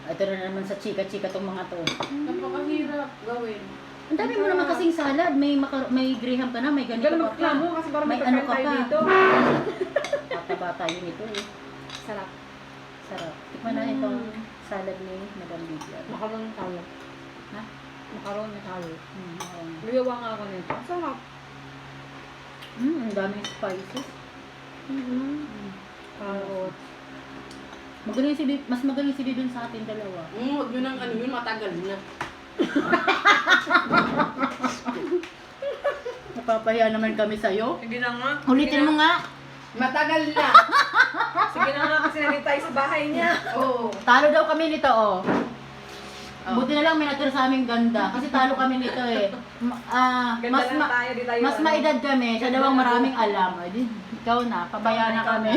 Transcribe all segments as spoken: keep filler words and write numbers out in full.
Ito na naman sa chika-chika tong mga to. Napakahirap gawin. Ang dami mo naman kasing salad. May maka, may graham ka na, may ganito Ganun ka pa. magklamo kasi parang May ano ka tayo pa. dito. Bata-bata yun ito eh. Sarap. Sarap. Tikman na itong salad ni Madam Lydia. Makaroon ng talo. Ha? Makaroon ng talo. Hmm, ayun. Luyawa nga ako nito. Sarap. Hmm, ang daming spices. Mm-hmm. Carrot. Magaling si Bibi, mas magaling si Bibi sa atin dalawa. Mm, huwag nyo nang ano yun, matagal na. Napapahiya naman kami sa'yo. Sige na nga. Ulitin mo nga. Matagal na. Sige na nga kasi nandito tayo sa bahay niya. Oo. Talo daw kami nito, oh. Oh. Buti na lang may natira sa aming ganda. Kasi talo kami nito eh. Ma- ah, Ganda mas lang ma- tayo, di tayo. mas ano. maedad kami. Siya daw ang maraming alam. Ay, di, ikaw na. Pabayaan na Ikaw kami.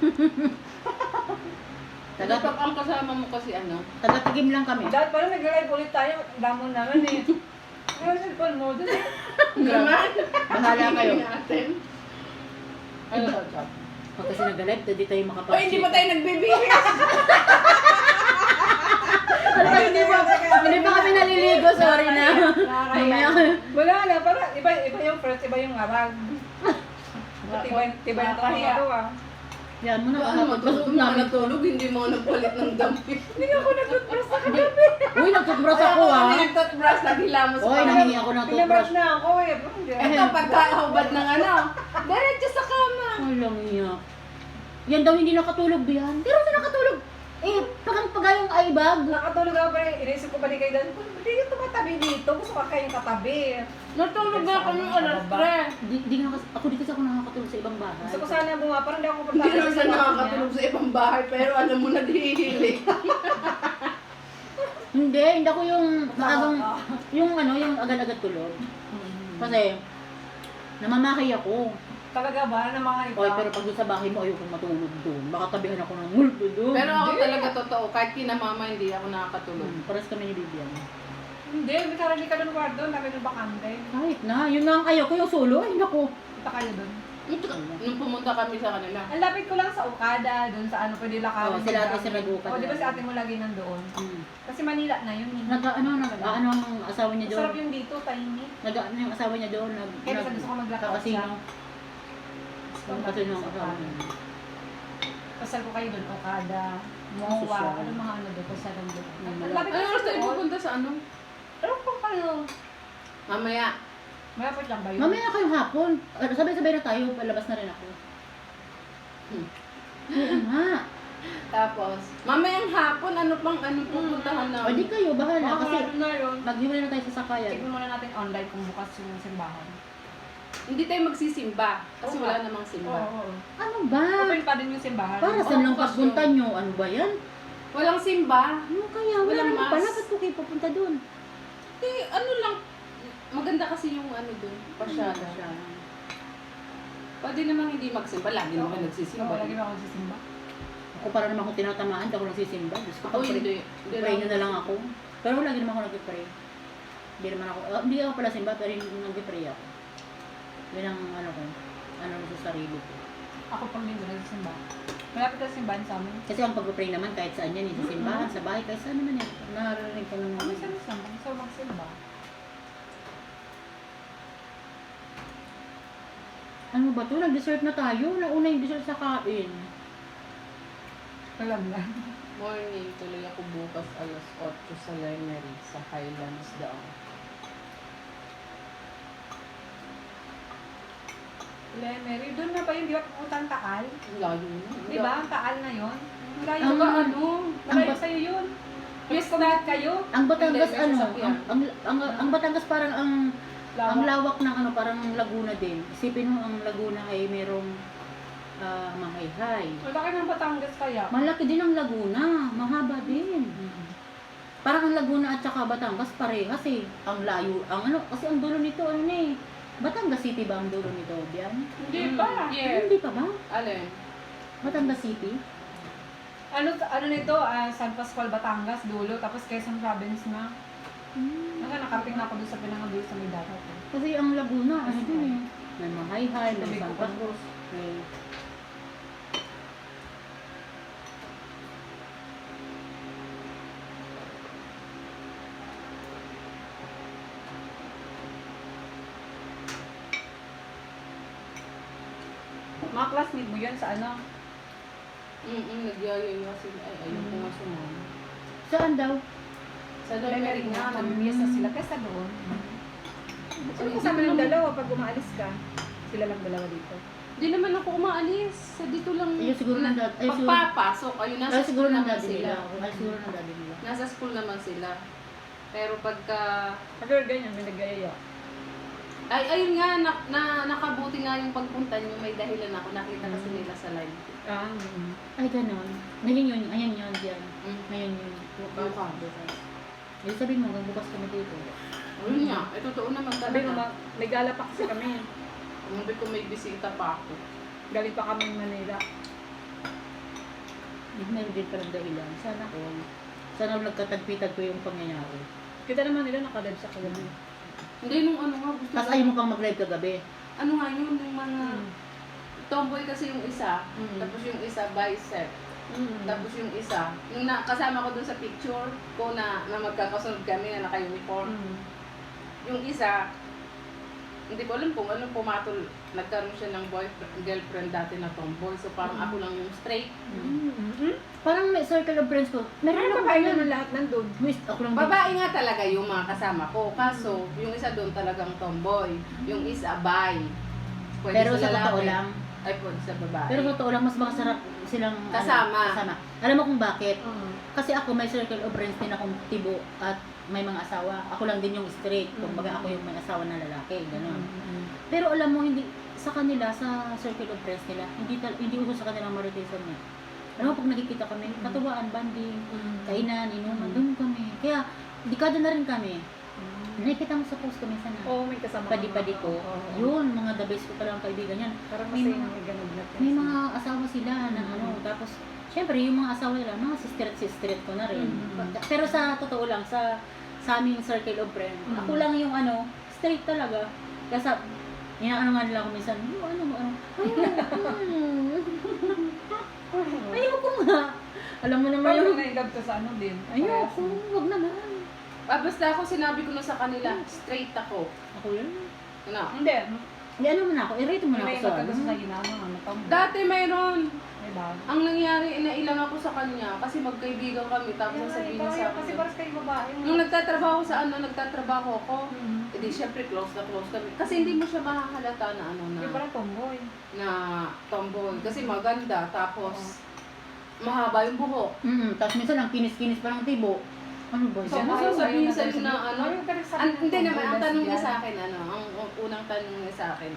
Taga Taga, ang kasama mo kasi ano. taga-tigim lang kami. Dahil parang nag-live ulit tayo. Damon naman eh. Ano yung cellphone mo? Doon eh. Naman. Bahala kayo. Natin. Ano sa Pag kasi nag-live, hindi tayo makapag- O, hindi pa tayo nagbibihis. Hindi pa, hindi pa kami naliligo. Sorry na. Nakakaya. Wala na. Parang iba, iba yung first, iba yung arag. Tibay, tibay na Nakakahiya. ito ah. Yan mo na. Ano, Ano, matulog na natulog, hindi mo nagpalit ng damit. Hindi ako nag-toothbrush sa kagabi. Uy, nagtutbrush ako ah. Kami nag-toothbrush, naghilamos Uy, pa. nanghingi ako ng Pinabrush toothbrush. na ako eh. Pero hindi. Ito, pagkahubad ng ano, diretso sa kama. Walang iya. Yan daw hindi nakatulog yan. Pero sa nakatulog. Eh, pagang pagayong eyebag. Nakatulog ako pero inisip ko balik kayo doon. Hindi yung tumatabi dito. Gusto ka kayong katabi. Natulog na kami alas tres. Di, di nga kasi, ako di kasi ako nakakatulog sa ibang bahay. Gusto ko sana bumaba. Parang hindi ako Hindi komportable naman siya nakakatulog sa ibang bahay, pero alam mo, naghihilig. Hindi, hindi ako yung maagang, yung ano, yung agad-agad tulog. Kasi, namamahay ako. Talaga ba? Ng mga iba? Okay, pero pag doon sa bahay mo, ayokong matulog doon. Baka tabihan ako ng multo doon. Pero ako talaga totoo, kahit kina mama, hindi ako nakakatulog. Hmm, pares kami ni Bibian. Hindi. May karali ka doon kwarto. Namin yung bakante. Kahit na, yun nga ang ayoko, yung solo. Ay, naku. Kita kayo doon. Nung pumunta kami sa kanila. Ang lapit ko lang sa Okada. Doon sa ano. Pwede lakawin. Oo, sila ate sila nag-Okada. O, di ba si ate mo lagi nandoon? Hmm. Kasi Manila na yun. eh. Nag, ano, nag, ano ang asawa niya doon? Masarap yung dito. Tiny. Nag, ano yung asawa niya doon? Nag, Kaya basta gusto ko maglakaw kakasino. siya. Gusto ko Kasi nung sa asawa Okada. niya. Pasal ko kayo doon. Okada. Mowa. Social. Ano mga ano doon. Pasal lang doon. Hmm, Ang lapit Ano ko oras tayo doon. pupunta sa ano? Pero kung kayo. Mamaya. Malapit lang ba yun? Mamaya na kayong hapon. Ah, Sabay-sabay na tayo. Palabas na rin ako. Hmm. Oo nga. Tapos, mamayang hapon, ano pang ano pupuntahan O namin? di kayo, bahala. Oo, Kasi ano na yun. maghiwalay na tayo sa sakayan. Check muna natin online kung bukas yung simbahan. Hindi tayo magsisimba. Kasi Oo wala nga. namang Oo, simba. oo. Ano ba? Open pa din yung simbahan. Para Oo, saan lang bukas pagpunta yun. nyo? Ano ba yan? Walang simba. Ano kaya? Wala Walang naman mas. pala. Ba't po kayo pupunta doon? Eh, ano lang. Maganda kasi yung ano dun. Pasyala. Siya. Pwede namang hindi magsimba. Lagi naman nagsisimba. Oo, lagi na ako nagsisimba. Ako para naman akong tinatamaan. Hindi ako nagsisimba. Diyos ko, Ako pag-pray- hindi. Hindi pray nyo lang. na lang ako. Pero lagi naman ako nag-pray. Hindi naman ako, ah, hindi ako pala simba, pero nag-pray ako. Yan ang ano ko, ano sa sarili ko. Ako pag linggo nagsisimba. Malapit ka sa simbahan sa amin. Kasi ang pag-pray naman kahit saan yan, eh, sa simbahan, sa bahay, kahit saan naman yan. Naririnig ko ng Kami sa simba. Gusto ko magsimba. Ano ba to? Nag-dessert na tayo. Nauna yung dessert sa kain. Alam na. Morning, tuloy ako bukas alas otso sa Lemery sa Highlands daw. Lemery. Doon na ba yun? Di ba pupunta ang Taal? Ang layo na. Di ba? Ang Taal na yun? Ang layo Ang- ba ano? ang Malayo ba- sa'yo yun. Yes, Yes, kumahat kayo. Ang Batangas Hindi, may ano, sasakyan. ang, ang, ang, ang Batangas parang ang ang Lawak. lawak ng ano, parang Laguna din. Isipin mo ang Laguna ay merong uh, mahayhay. Malaki ng Batangas kaya. Malaki din ang Laguna, mahaba din. Parang ang Laguna at saka Batangas parehas eh. Ang layo, ang ano, kasi ang dulo nito ano na eh. Batangas City ba ang dulo nito, Bian? Hindi pa. Yeah. Hindi pa ba? Alin? Batangas City? Ano ano nito? ah, San Pascual, Batangas, dulo. Tapos Quezon Province na. Hmm. Naka nakaping na ako doon sa pinangabuyo sa may dagat. eh. Kasi ang Laguna, ano din eh. May mahayhay, may Sabi ko San pa. Pascual, may... Mga classmate mo yun sa ano? Mm-mm, nagyayaya sila. Ay, ayun ko nga sumama. Saan daw? Sa Memory Domery nga, nga, mamimiss na sila kesa doon. Sino kasama ng dalawa pag umaalis ka? Sila lang dalawa dito. Hindi naman ako umaalis. Sa dito lang. Ayun, siguro ng dad- ay, siguro- Pagpapasok, ayun, nasa Ay, siguro school ng naman daddy sila. nila. Ay, siguro ng daddy nila. Nasa school naman sila. Pero pagka... Pag ganyan, may nagayaya. Ay, ayun nga, na, na, nakabuti nga yung pagpunta niyo. May dahilan ako. Nakita kasi nila sa live. Ah, mm. Ay, ganon. Ngayon yun, ayan yun, diyan. Mm. Ngayon yun. Bukas. Bukas. Yung sabihin mo, hanggang bukas kami dito. Ayun nga, eh, totoo naman Sabi ko, talaga. ma- may gala pa kasi kami. Sabi ko may bisita pa ako. Galing pa kami Manila. Meron din palang dahilan. Sana all. Sana all nagkatagpitag ko yung pangyayari. Kita naman nila nakalive sa kagabi. Hindi, nung ano nga, gusto Tapos ko- ayaw mo pang mag-live kagabi. Ano nga yun, yung mga... Tomboy kasi yung isa, Mm. tapos yung isa bicep, Mm. tapos yung isa, yung na, kasama ko dun sa picture ko na, na magkakasunod kami na naka-uniform. Mm. Yung isa, hindi ko alam kung anong pumatol, nagkaroon siya ng boyfriend, girlfriend dati na tomboy. So parang Mm. ako lang yung straight. Mm. Parang may circle of friends ko. Meron Ano ako ba kayo yan. naman lahat nandun? Miss, ako lang din. Babae nga talaga yung mga kasama ko. Kaso, yung isa doon talagang tomboy. Yung isa, bi. Pwede Pero sa totoo lalaki. lang, Ay, pwede sa babae. pero sa totoo lang, mas makasarap silang ano, Kasama. kasama. Alam mo kung bakit? Oo. Kasi ako may circle of friends din akong tibo at may mga asawa. Ako lang din yung straight. Kumbaga ako yung may asawa na lalaki. Ganun. Mm. Pero alam mo, hindi sa kanila, sa circle of friends nila, hindi tal hindi uso sa kanilang maritism eh. Alam mo, pag nakikita kami, katuwaan, banding, kainan, inuman, doon kami. Kaya, dekada na rin kami. Nakikita mo sa post ko minsan na, Oo, may kasama ka. padi-padi ko. Oo. Yun, mga the best ko palang kaibigan yan. Parang May masaya mga- nang may ganun lahat. May mga asawa sila na ano, tapos, syempre, yung mga asawa nila, mga sister-sister ko na rin. Mm. Pero sa totoo lang, sa sa aming circle of friends, Mm. ako lang yung ano, straight talaga. Kasi, inaano nga nila ako minsan, "Oh, ano mo, ano, ayoko, ayoko nga. Alam mo naman Parang yung, na-indab ka sa ano din. ayoko, wag naman. Ah, basta ako sinabi ko na sa kanila, straight ako. Ako yun. Ano? Hindi. Hindi, ano mo na ako, i-rate mo na ako May sa magkagusto sa ano. ginama. Ano pa mo? Dati mayroon. May bago. Ang nangyari, inailang ako sa kanya kasi magkaibigan kami. Tapos sasabihin niya sa Kasi akin. parang kayo babae. Nung nagtatrabaho sa ano, nagtatrabaho ako, Mm. edi syempre close na close kami. Kasi hindi mo siya makahalata na ano na, Yung parang tomboy. na tomboy. Kasi maganda, tapos mahaba yung buhok. Mm, tapos minsan ang kinis-kinis pa ng tibo. Ano ba So, yan? ano ayaw- sasabihin ayaw sa'yo sabihin- na ano? Ayaw ka rin sabihin An- ng hindi tomboy, naman, ang tanong niya lesbian. sa akin, ano, ang ang unang tanong niya sa akin,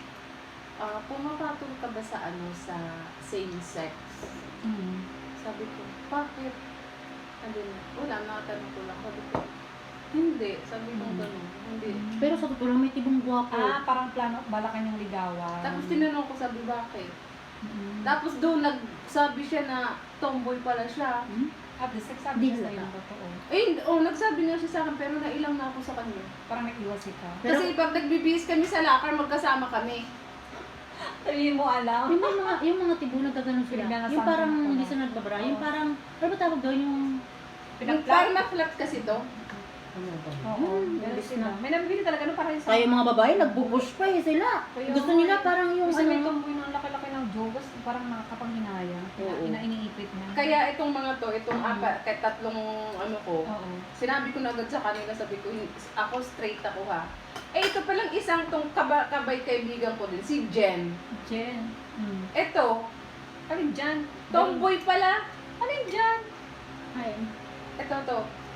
ah, pumapatol ka ba sa ano, sa same sex? Mm. Sabi ko, bakit? Sabi niya, wala, nakatanong ko lang. Sabi ko, hindi. Sabi ko, Mm. gano'n, hindi. Pero sa totoo lang, may tibong guwapo. Ah, parang plano, bala kanyang ligawan. Tapos tinanong ko, sabi, bakit? Mm. Tapos doon, nagsabi siya na tomboy pala siya. Hmm? At the sex, Hindi sabi niya sa'yo halata. yung totoo. Eh, hindi- oh, nagsabi niya siya sa akin, pero nailang na ako sa kanya. Parang nag-iwas ka. Pero- Kasi pag nagbibihis kami sa lakar, magkasama kami. Sabihin mo alam. Yung mga, yung mga tibo nagkaganon sila. Pinaganasan Yung parang mo pa. hindi sila nagbabara. Yung Oo. parang, ano ba tawag doon yung... Yung parang na-flat kasi to. Ano ba? Oo, Hmm, meron imbis sila. na. May nabibili talaga no para sa... Kaya yung mga babae, nagbubush pa eh sila. Kaya Gusto nga nila eh. parang yung Kasi may ano... tomboy ng laki-laki ng jogas, parang nakakapanghinaya. Oo. Ina iniipit na. Kaya itong mga to, itong Mm. apat, kahit tatlong ano ko, Oo. sinabi ko na agad sa kanila, sabi ko, "Hin- ako straight ako ha. Eh, ito palang isang tong kaba, kabay kaibigan ko din, si Jen. Jen. Mm. Ito, Alin dyan? tomboy pala. Alin dyan? Ay, Ito to.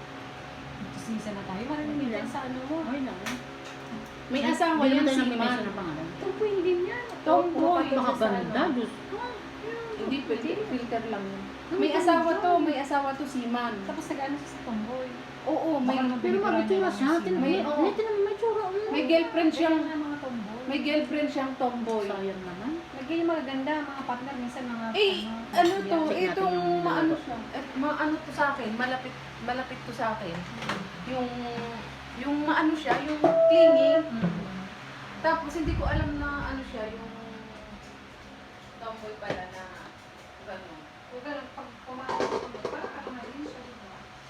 Sisa na tayo. Marinig Wala. yan sa ano mo. okay lang. May asawa Hindi yan naman tayo si nag-mention Man. ng pangalan. Tomboy din yan. Tomboy. Baka ganda, ano. Diyos. Hindi, filter, filter lang yun. May asawa to, may asawa to si Man. Tapos nag-ano siya sa tomboy. Oo, may, Baka Pero mga may tsura siya. Tinan mo, May- may, oo. may, tinan mo, may tsura. mm. may girlfriend siyang, Kaya nga mga tomboy. may girlfriend siyang tomboy. Sayang naman. Lagyan yung magaganda, mga partner, minsan mga... Eh, ano to, Check natin itong yung maano dalawa. siya, eh, maano to sa akin, malapit, malapit to sa akin. Yung, yung maano siya, yung clingy. Mm. Tapos hindi ko alam na ano siya, yung tomboy pala na gano'n. Huwag ka lang, pag pumasok ko, parang ako na rin siya. diba?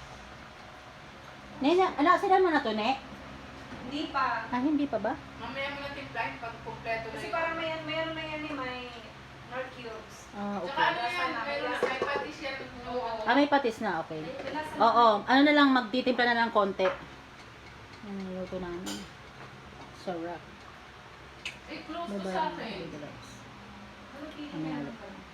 Nena, ala, sila mo na to, ne? Hindi pa. Ah, hindi pa ba? Mamaya mo natin flight pag kumpleto na Kasi yun. parang may, mayroon na yan eh, may Nor cubes. Ah, Tsaka okay. ano yan, meron na, may patis yan. Oo. Ah, may patis na, okay. Oo, ano na lang, magtitimpla na lang konti. Ang luto namin. Sarap. Eh, close to Bye-bye. sa akin. Bye-bye. Ano, Ano yan?